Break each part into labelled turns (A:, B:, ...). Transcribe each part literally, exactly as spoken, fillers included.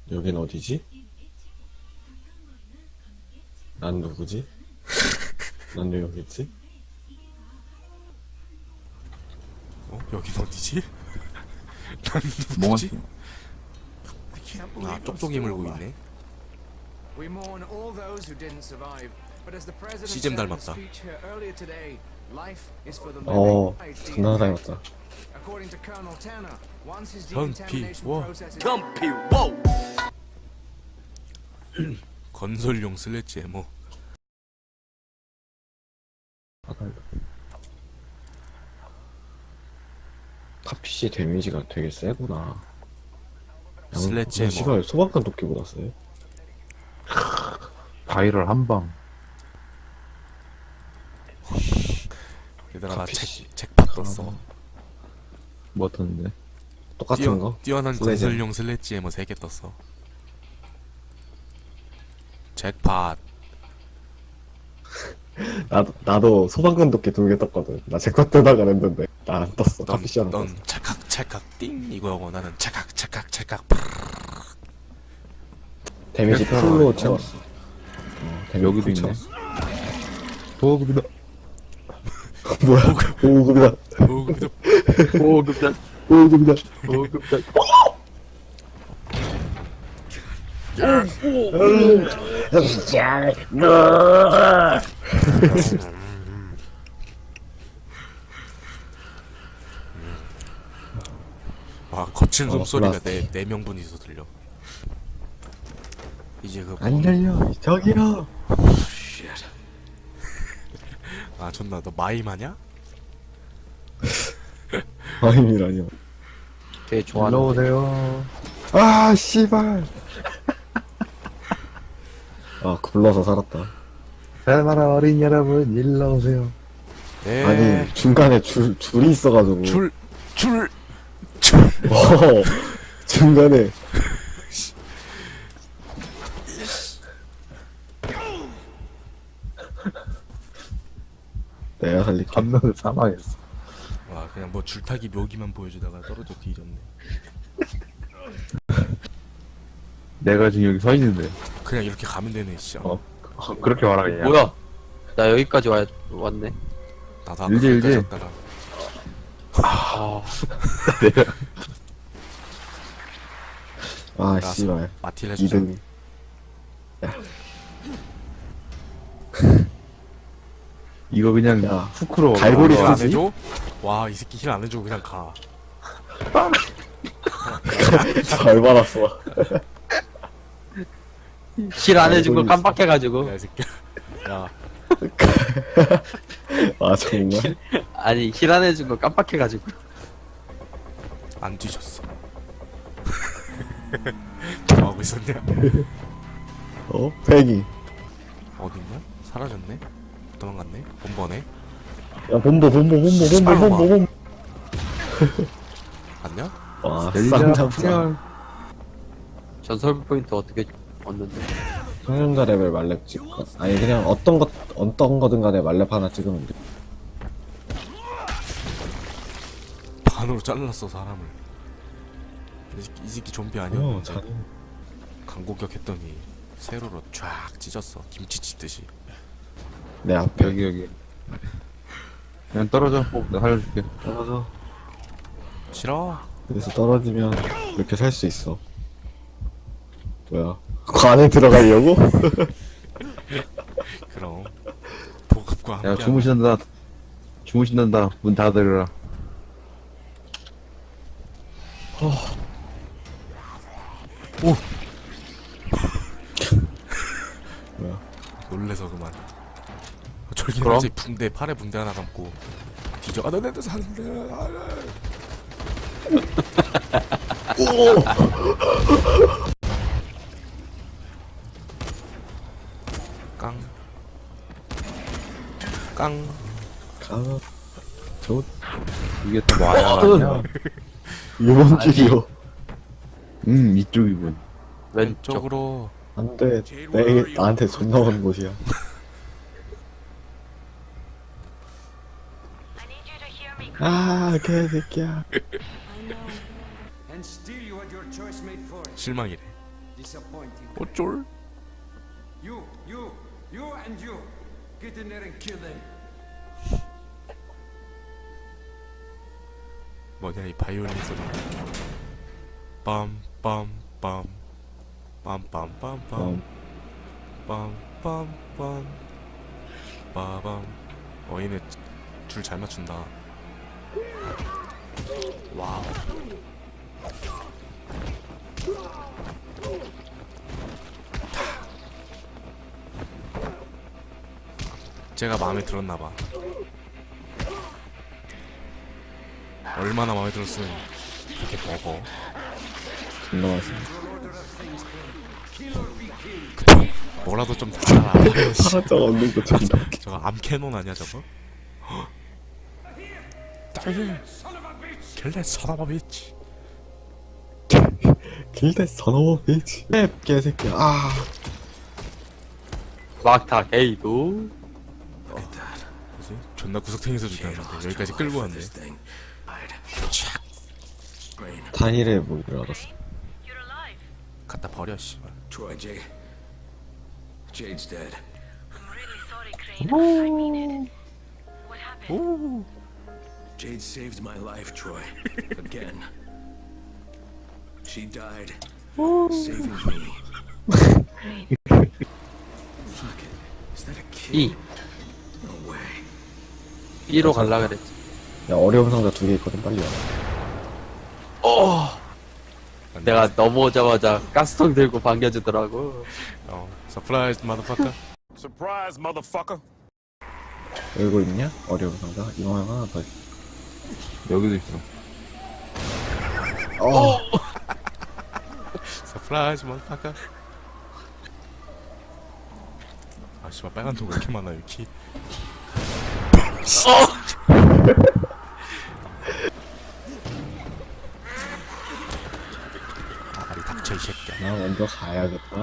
A: 여긴 어디지? 난 누구지? 난 왜 여기 있지?
B: 어? 여긴 어디지? 난
C: 뭐가
B: 누구지? 아, 똑똑이 물고 있네. 시잼 닮았다.
A: 어, 존나 닮았다.
B: 현피워.
D: 현피워.
B: 건설용 슬래지 에모.
A: 카피씨 데미지가 되게 세구나.
B: 슬래지 에모.
A: 시발 소방관 도끼보다 세.
C: 바이럴 한방.
B: 얘들아 나
A: 카피씨.
B: 책, 책팟 떴어.
C: 뭐 떴는데?
A: 똑같은
B: 뛰어,
A: 거?
B: 뛰어난
A: 슬래지.
B: 건설용 슬래지 에모 세 개 떴어. 잭팟.
A: 나도, 나도 소방관 도끼 두 개 떴거든. 나 제컷 뜨다가 했는데. 나 안 떴어.
B: 넌,
A: 카피씨 안 떴어.
B: 넌 찰칵 찰칵 띵 이거고 나는 찰칵 찰칵 찰칵.
A: 데미지
C: 그래서-
A: 풀로
C: 어.
A: 채웠어. 어, 데미지
C: 여기도
A: 풀
C: 있네.
A: 채웠어.
C: 보급이다.
A: 뭐야? 오급이다.
B: 오 근데
C: 보급단.
A: 오급이다.
C: 보급단.
B: 와 거친
A: 어,
B: 숨소리가
A: 플라스틱.
B: 네, 네 명분이서 들려. 이제 그
A: 안 열려. 저기요.
B: 아 존나 너 마임하냐?
A: 아임이라뇨.
E: 되게
C: 일로
E: 좋아하는데.
C: 오세요.
A: 아, 씨발. 아, 굴러서 살았다.
C: 살만한 어린 여러분, 일로 오세요.
B: 네.
A: 아니, 중간에 줄, 줄이 있어가지고.
B: 줄, 줄, 줄.
A: 어, 중간에. 내가 살릴게.
C: 한 명을 사망했어.
B: 와 그냥 뭐 줄타기 묘기만 보여주다가 떨어져 뒤졌네.
C: 내가 지금 여기 서 있는데.
B: 그냥 이렇게 가면 되네 진짜.
C: 어? 어, 그렇게 말하겠냐?
E: 뭐야? 나 여기까지 와, 왔네.
B: 나도 아까
C: 일제,
B: 거기까지
C: 일제.
B: 왔다가
E: 아,
A: 아,
B: 나왔어.
A: 씨발.
B: 마틸 해주자.
A: 이등.
C: 이거 그냥
A: 야,
C: 후크로.
A: 갈고리
B: 힐 안
A: 쓰지?
B: 해줘? 와 이 새끼 힐 안 해주고 그냥 가.
A: 잘 받았어.
E: 실 안 해준 거
A: 알고
E: 깜빡해가지고.
B: 야 이 새끼. 야
A: 아, 정말?
E: 아니, 실 안 해준 거 깜빡해가지고.
B: 안 뒤졌어. 뭐 하고 있었냐?
A: 어? 팽이.
B: 어딨냐? 사라졌네? 도망갔네? 본번에?
A: 야, 본보, 본보, 본보,
B: 씨발,
A: 본보, 본보, 본보.
B: 갔냐?
A: 와,
C: 열리자,
A: 쌍잡자.
C: 풍열.
E: 전설 포인트 어떻게 얻는데?
A: 성년자 레벨 말렙 찍고. 아니, 그냥 어떤 것, 어떤 거든 간에 말렙 하나 찍으면 돼.
B: 반으로 잘랐어 사람을. 이 새끼, 이 새끼 좀비
A: 어,
B: 아니었는데
A: 잘.
B: 강공격 했더니 세로로 쫙 찢었어 김치 찢듯이.
A: 내 앞에.
C: 여기, 여기. 그냥 떨어져. 내가 살려줄게.
A: 떨어져.
B: 싫어.
A: 그래서 떨어지면 이렇게 살 수 있어. 뭐야? 관에 들어가려고?
B: 그럼 보급과 함께.
C: 야, 주무신다. 주무신단다. 문 닫으라.
A: 뭐야?
B: 놀래서 그만. 졸긴
E: 그럼?
B: 하지. 붕대 팔에 붕대 하나 감고 뒤져. 아 너네도 사는데. 아, 깡. 깡.
A: 가면 저
C: 이게 또 뭐야, 아니야?
A: 이번 줄이요.
C: 음, 이쪽이군.
E: 왼쪽.
B: 왼쪽으로.
A: 안돼. 내 나한테 존나 오는 곳이야. 아, 개새끼야.
B: 실망이래.
D: Disappointing.
B: 어쩔?
D: You, you, you and you. Get in there and kill them.
B: 뭐냐 이 바이올린 소리. 빰빰빰 빰빰빰빰 빰빰빰 빠밤. 어 얘네 줄 잘 맞춘다. 와우. 제가 마음에 들었나봐. 얼마나 마음에 들었으면 그렇게 먹어.
A: 존나 맛있어.
B: 뭐라도 좀 달아.
A: 하나짜리 없는 거 존나 웃겨.
B: 저거 암캐논 아니야 저거? 킬레 서너버 비치.
A: 길대 서너버 비치. 랩 개새끼야. 아.
E: 막타 게이도.
B: 뭐지? 존나 구석탱이에서 죽였는데 여기까지 끌고 왔네.
A: 타일의 무기를 알았어.
B: 갖다 버려 씨발.
D: Troy, Jade. Jade's dead.
F: I'm really sorry, Crane. I mean it. What happened?
B: 오.
D: Jade saved my life, Troy. Again. She died saving me. Fuck it. Is that a kid?
E: E.
D: No way.
E: B로 갈라 그랬지.
A: 야 어려운 상자 두 개 있거든 빨리 와.
E: 어. 내가 넘어오자마자 가스통 들고 반겨주더라고.
B: 어. 서프라이즈 마더파커.
G: Surprise, motherfucker.
A: 열고 있냐? 어려운 상자. 이거 하나 더. 있어.
C: 여기도 있어.
A: 어.
B: 서프라이즈 마더파커. 아 씨발 빨간 통 왜 이렇게 많아 여기. 아리 닥쳐 이 새끼야.
A: 나 먼저 가야겠다.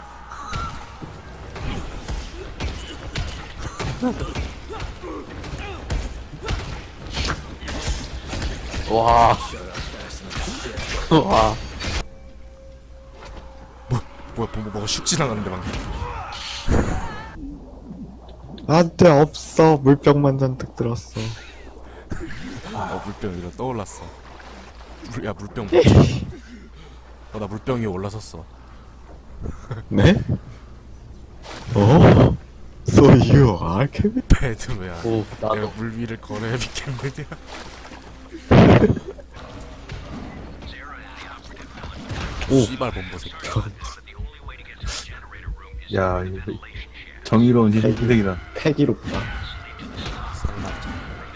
E: 와. 와.
B: 뭐야 뭐, 뭐, 뭐가 슉 지나갔는데 방금.
A: 안돼 없어. 물병만 잔뜩 들었어.
B: 어 물병 위로 떠올랐어. 물, 야 물병. 어나 물병 위에 올라섰어.
A: 네? 어? So you are Kevin?
B: 배드웨어.
E: 오,
B: 내가
E: 나도.
B: 물 위를 걸어야 믿겠느냐.
A: 오.
B: 씨발 bombo 새끼.
C: 야, 이거 정의로운 희생이다.
A: 패기롭다.
B: 상납자.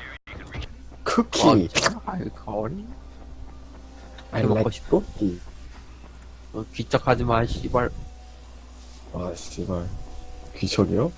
A: 쿠키.
E: 아이 거리.
A: I
E: 먹고
A: like
E: 싶어?
A: 쿠키.
E: 어, 귀짝하지 마, 씨발.
A: 아 씨발. 귀척이요?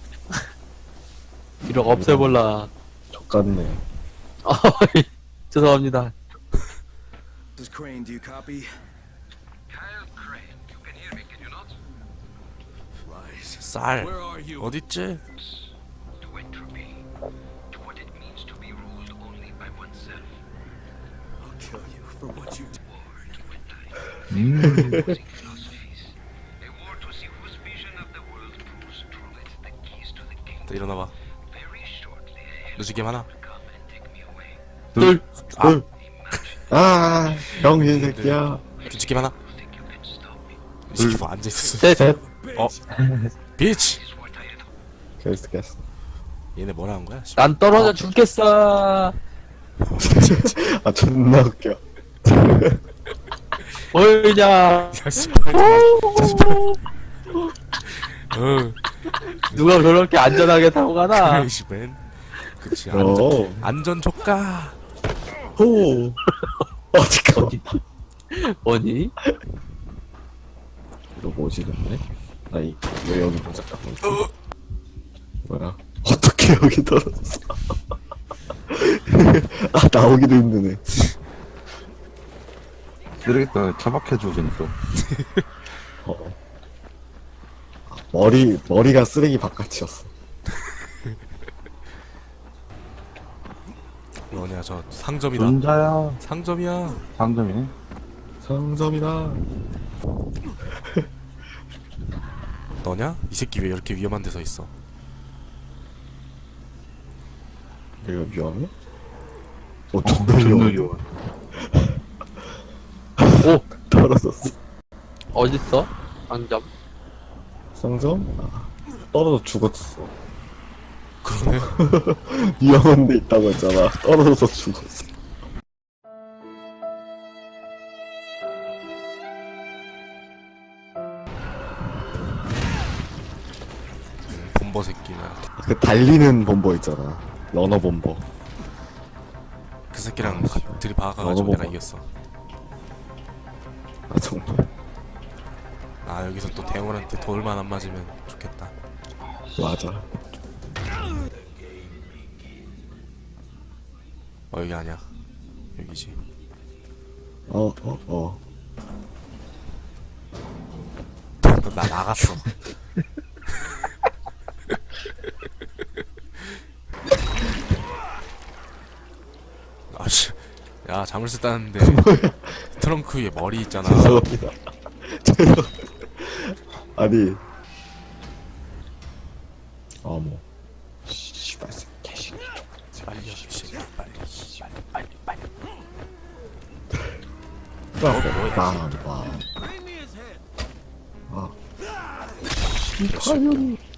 E: 기록 없애볼라.
A: 족같네.
E: 어이, 죄송합니다.
D: This is Crane, do you copy?
F: Kyle Crane, you can hear me, can you not?
D: Lies.
B: 쌀.
D: Where are you?
B: 어딨지?
F: To entropy, to what it means to be ruled only by oneself.
D: I'll kill you for what you did.
F: War to die. Opposing philosophies. A war to see whose vision of the world proves truly the keys to the kingdom.
B: 또 일어나봐.
F: Very shortly, a
B: 누지게 많아.
F: will come and take me away.
E: 둘.
A: 둘. 아, 병신 새끼야.
B: 뒤집게 많아.
F: Think you can stop me?
B: 이 새끼 뭐 앉아있었어.
E: 셋.
A: 셋.
B: 어? 비치!
F: Is what I had hoped.
A: 게스트 게스트.
B: 얘네 뭐라 한 거야?
E: 난 떨어져 죽겠어.
A: 아 존나 웃겨.
E: 보이냐?
B: 야 씨발. 야 씨발. 어.
E: 누가 그렇게 안전하게 타고 가나?
B: 크레이시맨. 그치 안전
A: 어.
B: 안전 조카.
A: 호. 어 잠깐만.
E: 뭐니?
A: 이거 뭐지 근데? 나이 왜 여기 모자 깎고 있어? 뭐야? 어떻게 여기 떨어졌어? 아 나오기도 힘드네.
C: 쓰레기통 처박혀주고 재밌어.
A: 어. 아, 머리 머리가 쓰레기 바깥이었어.
B: 뭐냐 저 상점이다.
C: 혼자야.
B: 상점이야.
C: 상점이네.
A: 상점이다.
B: 너냐? 이 새끼 왜 이렇게 위험한 데서 있어?
A: 내가 위험해? 어, 존나 위험해.
E: 오!
A: 떨어졌어.
E: 어딨어? 상점.
A: 상점? 아, 떨어져 죽었어.
B: 그러네.
A: 위험한 데 있다고 했잖아. 떨어져서 죽었어.
B: 본버 새끼는.
A: 그 달리는 범버 있잖아. 러너 범버.
B: 그 새끼랑 가, 들이박아가지고
A: 너도
B: 내가
A: 먹어.
B: 이겼어.
A: 아, 정말.
B: 아 여기서 또 대원한테 돌만 안 맞으면 좋겠다.
A: 맞아.
B: 어 여기 아니야. 여기지.
A: 어, 어, 어.
B: 나 나갔어. 아씨, 야 잠을 쓰다는데 트렁크 위에 머리 있잖아.
A: 죄송합니다. 죄송. 아니. 어머. 씨발, 개새끼.
B: 빨리 씨, 빨리, 빨리, 빨리, 빨리.
A: 빵, 빵, 빵. 아. 이 가연이.